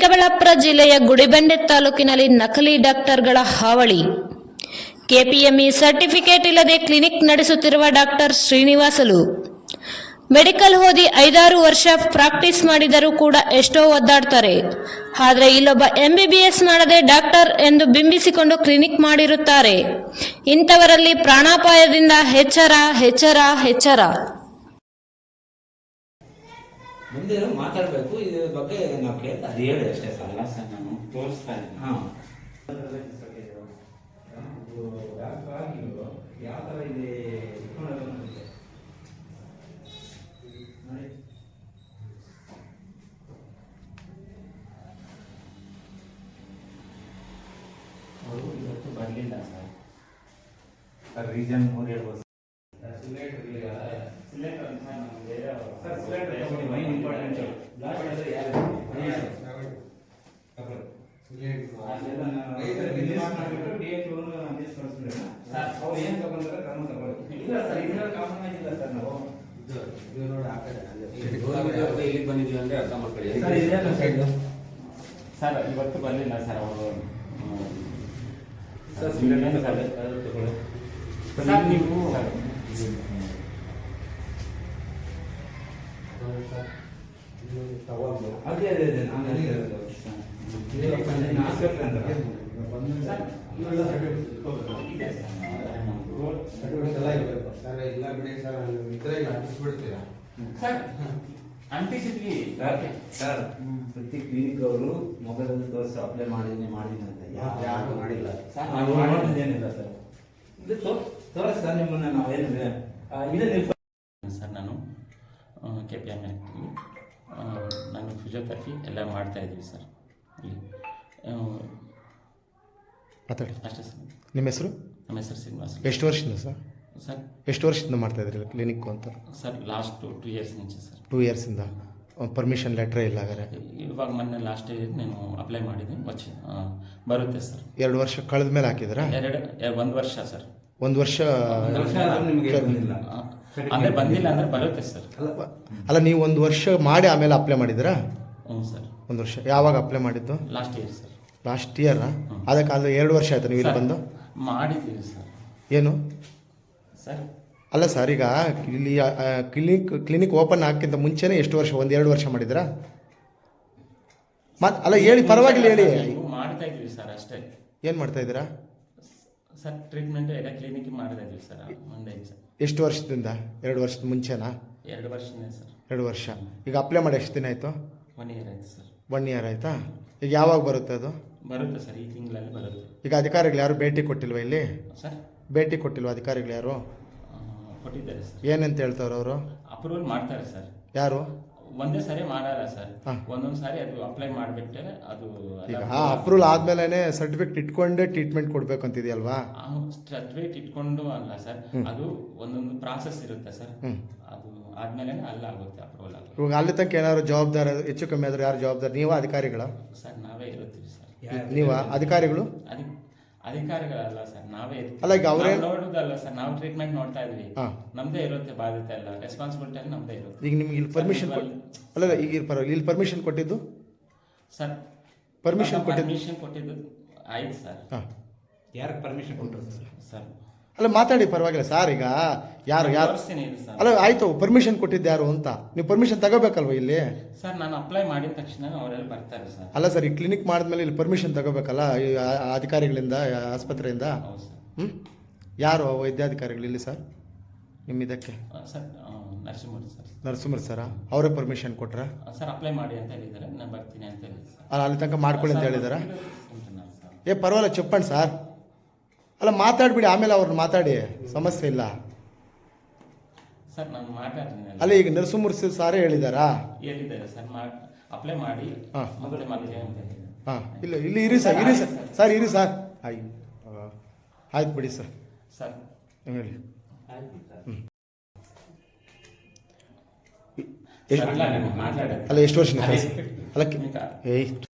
ಚಿಕ್ಕಬಳ್ಳಾಪುರ ಜಿಲ್ಲೆಯ ಗುಡಿಬಂಡೆ ತಾಲೂಕಿನಲ್ಲಿ ನಕಲಿ ಡಾಕ್ಟರ್ಗಳ ಹಾವಳಿ. ಕೆಪಿಎಂಇ ಸರ್ಟಿಫಿಕೇಟ್ ಇಲ್ಲದೆ ಕ್ಲಿನಿಕ್ ನಡೆಸುತ್ತಿರುವ ಡಾಕ್ಟರ್ ಶ್ರೀನಿವಾಸಲು. ಮೆಡಿಕಲ್ ಓದಿ 5-6 ವರ್ಷ ಪ್ರಾಕ್ಟೀಸ್ ಮಾಡಿದರೂ ಕೂಡ ಎಷ್ಟೋ ಒದ್ದಾಡ್ತಾರೆ. ಆದರೆ ಇಲ್ಲೊಬ್ಬ MBBS ಮಾಡದೆ ಡಾಕ್ಟರ್ ಎಂದು ಬಿಂಬಿಸಿಕೊಂಡು ಕ್ಲಿನಿಕ್ ಮಾಡಿರುತ್ತಾರೆ. ಇಂಥವರಲ್ಲಿ ಪ್ರಾಣಾಪಾಯದಿಂದ ಎಚ್ಚರ ಎಚ್ಚರ ಎಚ್ಚರ. ಮುಂದೆ ಮಾತಾಡಬೇಕು ಇದ್ರ ಬಗ್ಗೆ ನಾವು ಕೇಳ್ತಾ ಅದು ಹೇಳಿ ಅಷ್ಟೇ ಸರ್. ಅಲ್ಲ ಸರ್, ನಾನು ತೋರಿಸ್ತಾ ಇದ್ದೀನಿ. ಹಾಂ ಯಾವ ಥರ ಇದೆ ಅವರು ಇವತ್ತು ಬರಲಿಲ್ಲ ಸರ್. ರೀಸನ್ ಅವ್ರು ಹೇಳ್ಬೋದು. ಇಲ್ಲಿ ಬಂದಿದ್ದೀವಿ ಅಂದ್ರೆ ಅರ್ಥ ಮಾಡ್ಕೊಳ್ಳಿ ಸರ್. ಇವತ್ತು ಬರಲಿಲ್ಲ ಸರ್ ಅವರು. ಸರ್ ನೀವು ಅದೇ ಅದೇ ಅದೇ ನಾನು ಅಂಟಿಸಿದ್ವಿ ಸರ್. ಪ್ರತಿ ಕ್ಲಿನಿಕ್ ಅವರು ಮೊಬೈಲಲ್ಲಿ ತೋರಿಸಿ ಅಪ್ಲೈ ಮಾಡಿದ್ದೀನಿ ಅಂತ ಯಾರು ಮಾಡಿಲ್ಲ. ನಾವು ಮಾಡೋದೇನಿಲ್ಲ ಸರ್. ಇದು ತೋರಿಸ್ ಸರ್ ನಿಮ್ಮನ್ನ ನಾವೇನಿದೆ ಇದೆ ಸರ್. ನಾನು KPM ಆಗ್ತೀವಿ. ನಾನು ಫಿಸಿಯೋಥೆರಪಿ ಎಲ್ಲ ಮಾಡ್ತಾ ಇದ್ದೀವಿ ಸರ್ ಇಲ್ಲಿ. ಮಾತಾಡಿ ಅಷ್ಟೇ ಸರ್. ನಿಮ್ಮ ಹೆಸರು? ನಮ್ಮ ಹೆಸರು ಶ್ರೀನಿವಾಸ. ಎಷ್ಟು ವರ್ಷದಿಂದ ಸರ್? ಸರ್ ಎಷ್ಟು ವರ್ಷದಿಂದ ಮಾಡ್ತಾ ಇದ್ರಿ ಕ್ಲಿನಿಕ್ಕು ಅಂತ? ಸರ್ ಲಾಸ್ಟ್ 2 ಇಯರ್ಸ್ ಮುಂಚೆ ಸರ್. 2 ಇಯರ್ಸಿಂದ ಪರ್ಮಿಷನ್ ಲೆಟ್ರೇ ಇಲ್ಲ ಹಾಗಾದ್ರೆ? ಇವಾಗ ಮೊನ್ನೆ ಲಾಸ್ಟ್ ಇಯರ್ ನಾನು ಅಪ್ಲೈ ಮಾಡಿದ್ದೀನಿ. ಬರುತ್ತೆ ಸರ್. 2 ವರ್ಷ ಕಳೆದ ಮೇಲೆ ಹಾಕಿದ್ರಾ? 1 ವರ್ಷ ಸರ್. 1 ವರ್ಷ ನಿಮಗೆ ಬಂದಿಲ್ಲ ಅಂದರೆ ಬಂದಿಲ್ಲ ಅಂದರೆ ಬರುತ್ತೆ ಸರ್. ಅಲ್ಲ, ನೀವು 1 ವರ್ಷ ಮಾಡಿ ಆಮೇಲೆ ಅಪ್ಲೈ ಮಾಡಿದ್ರಾ? ಹ್ಞೂ ಸರ್. 1 ವರ್ಷ ಯಾವಾಗ ಅಪ್ಲೈ ಮಾಡಿದ್ದು? Last year sir. ಲಾಸ್ಟ್ ಇಯರಾ? ಅದಕ್ಕಾದ್ರೆ 2 ವರ್ಷ ಆಯ್ತು ನೀವು ಇಲ್ಲಿ ಬಂದು? ಮಾಡಿದ್ದೀವಿ ಸರ್. ಏನು ಸರ್? ಅಲ್ಲ ಸರ್, ಈಗ ಇಲ್ಲಿ ಕ್ಲಿನಿಕ್ ಓಪನ್ ಹಾಕಿಂತ ಮುಂಚೆನೇ ಎಷ್ಟು ವರ್ಷ? 1-2 ವರ್ಷ ಮಾಡಿದ್ರಾ? ಅಲ್ಲ ಹೇಳಿ, ಪರವಾಗಿಲ್ಲ ಹೇಳಿ. ಮಾಡ್ತಾ ಇದ್ದೀವಿ ಸರ್ ಅಷ್ಟೇ. ಏನು ಮಾಡ್ತಾ ಇದ್ದೀರಾ ಸರ್? ಟ್ರೀಟ್ಮೆಂಟ್ ಎಲ್ಲ ಕ್ಲಿನಿಕ್ ಮಾಡ್ತಾ ಇದ್ದೀವಿ ಸರ್. ಒಂದೇ ಸರ್. ಎಷ್ಟು ವರ್ಷದಿಂದ? 2 ವರ್ಷದ ಮುಂಚೆನಾ? 2 ವರ್ಷನೇ ಸರ್. 2 ವರ್ಷ. ಈಗ ಅಪ್ಲೈ ಮಾಡಿ ಎಷ್ಟು ದಿನ ಆಯಿತು? 1 ಇಯರ್ ಆಯ್ತು ಸರ್. 1 ಇಯರ್ ಆಯಿತಾ? ಈಗ ಯಾವಾಗ ಬರುತ್ತೆ ಅದು? ಬರುತ್ತೆ ಸರ್, ಈ ತಿಂಗಳಲ್ಲಿ ಬರುತ್ತೆ. ಈಗ ಅಧಿಕಾರಿಗಳು ಯಾರು ಭೇಟಿ ಕೊಟ್ಟಿಲ್ವಾ ಇಲ್ಲಿ? ಸರ್ ಭೇಟಿ ಕೊಟ್ಟಿಲ್ವಾ ಅಧಿಕಾರಿಗಳು ಯಾರು? ಕೊಟ್ಟಿದ್ದಾರೆ ಸರ್. ಏನಂತ ಹೇಳ್ತಾವ್ರು ಅವರು? ಅಪ್ರೂವಲ್ ಮಾಡ್ತಾರೆ ಸರ್. ಯಾರು? ಒಂದೇ ಸಾರಿ ಮಾಡಲ್ಲ ಸರ್. ಒಂದೊಂದು ಸಾರಿ ಅದು ಅಪ್ಲೈ ಮಾಡಿಬಿಟ್ಟರೆ ಅದು ಈಗ ಅಪ್ರೂವಲ್ ಆದ್ಮೇಲೆ ಸರ್ಟಿಫಿಕೇಟ್ ಇಟ್ಕೊಂಡೇ ಟ್ರೀಟ್ಮೆಂಟ್ ಕೊಡ್ಬೇಕು ಅಂತಿದೆಯಲ್ವಾ? ಸರ್ಟಿಫಿಕೇಟ್ ಇಟ್ಕೊಂಡು ಅಲ್ಲ ಸರ್, ಅದು ಒಂದೊಂದು ಪ್ರಾಸೆಸ್ ಇರುತ್ತೆ ಸರ್. ಅದು ಆದ್ಮೇಲೆ ಅಲ್ಲಾಗುತ್ತೆ ಅಪ್ರೂವಲ್ ಆಗುತ್ತೆ. ಇವಾಗ ಅಲ್ಲಿ ತನಕ ಏನಾದ್ರು ಜವಾಬ್ದಾರಿ ಹೆಚ್ಚು ಕಮ್ಮಿ ಆದ್ರೆ ಯಾರು ಜವಾಬ್ದಾರಿ? ನೀವಾ ಅಧಿಕಾರಿಗಳ? ಸರ್ ನಾವೇ ಇರುತ್ತೀವಿ ಸರ್. ನೀವಾ ಅಧಿಕಾರಿಗಳು? ಅಧಿಕಾರಿಗಳಲ್ಲ ಸರ್, ನಾವೇ ಅಲ್ಲ, ಈಗ ಅವರೇ ನೋಡುದಲ್ಲ ಸರ್. ನಾವು ಟ್ರೀಟ್ಮೆಂಟ್ ನೋಡ್ತಾ ಇದ್ವಿ. ನಮ್ದೇ ಇರುತ್ತೆ ಬಾಧ್ಯತೆ ಎಲ್ಲ, ರೆಸ್ಪಾನ್ಸಿಬಿಲಿಟಿ ಎಲ್ಲ ನಮ್ದೇ ಇರುತ್ತೆ. ಈಗ ನಿಮ್ಗೆ ಇಲ್ಲಿ ಪರ್ಮಿಷನ್ ಅಲ್ಲ, ಈಗ ಇಲ್ಲಿ ಪರ್ಮಿಷನ್ ಕೊಟ್ಟಿದ್ದು? ಸರ್ ಪರ್ಮಿಷನ್ ಕೊಟ್ಟಿದ್ದು ಆಯ್ತು ಸರ್. ಯಾರಿಗೆ ಪರ್ಮಿಷನ್ ಕೊಟ್ಟರು ಸರ್? ಅಲ್ಲ ಮಾತಾಡಿ, ಪರವಾಗಿಲ್ಲ ಸರ್. ಈಗ ಯಾರು ಅಲ್ಲ, ಆಯ್ತು, ಪರ್ಮಿಷನ್ ಕೊಟ್ಟಿದ್ದು ಯಾರು ಅಂತ ನೀವು ಪರ್ಮಿಷನ್ ತಗೋಬೇಕಲ್ವ ಇಲ್ಲಿ? ಸರ್ ನಾನು ಅಪ್ಲೈ ಮಾಡಿದ ತಕ್ಷಣ ಅವರೆಲ್ಲ ಬರ್ತಾರೆ ಸರ್. ಅಲ್ಲ ಸರ್, ಈ ಕ್ಲಿನಿಕ್ ಮಾಡಿದ್ಮೇಲೆ ಇಲ್ಲಿ ಪರ್ಮಿಷನ್ ತಗೋಬೇಕಲ್ಲ ಈ ಅಧಿಕಾರಿಗಳಿಂದ, ಆಸ್ಪತ್ರೆಯಿಂದ. ಯಾರು ವೈದ್ಯಾಧಿಕಾರಿಗಳು ಇಲ್ಲಿ ಸರ್ ನಿಮ್ಮ ಇದಕ್ಕೆ? Sir Narasimhamurthy sir. Narasimhamurthy sir ಅವರೇ ಪರ್ಮಿಷನ್ ಕೊಟ್ರಾ? ಸರ್ ಅಪ್ಲೈ ಮಾಡಿ ಅಂತ ಹೇಳಿದ್ದಾರೆ, ನಾನು ಬರ್ತೀನಿ ಅಂತ ಹೇಳಿದ್ದಾರೆ. ಅಲ್ಲ, ಅಲ್ಲಿ ತನಕ ಮಾಡ್ಕೊಳ್ಳಿ ಅಂತ ಹೇಳಿದಾರ? ಪರವಾಗಿಲ್ಲ, చెప్పండి ಸರ್. ಅಲ್ಲ ಮಾತಾಡ್ಬಿಡಿ, ಆಮೇಲೆ ಅವ್ರನ್ನ ಮಾತಾಡಿ, ಸಮಸ್ಯೆ ಇಲ್ಲ ಸರ್. ನಾನು ಮಾತಾಡ್ತೀನಿ. ಅಲ್ಲ, ಈಗ ನರಸಿಂಹಮೂರ್ತಿ ಸಾರೇ ಹೇಳಿದಾರಾ? ಹೇಳಿದ್ದಾರೆ ಸರ್, ಅಪ್ಲೈ ಮಾಡಿ ಮತ್ತೆ ಮತ್ತೆ ಅಂತ ಹೇಳಿದ್ದಾರೆ. ಇಲ್ಲ, ಇಲ್ಲಿ ಇರಿ ಸರ್, ಇರಿ ಸರ್. ಸರ್ ಇರಿ ಸರ್. ಆಯ್ತು ಬಿಡಿ ಸರ್. ಸರ್ ಹೇಳಿ. ಅಲ್ಲ ಎಷ್ಟು ವರ್ಷ ಅಲ್ಲ, ಏಯ್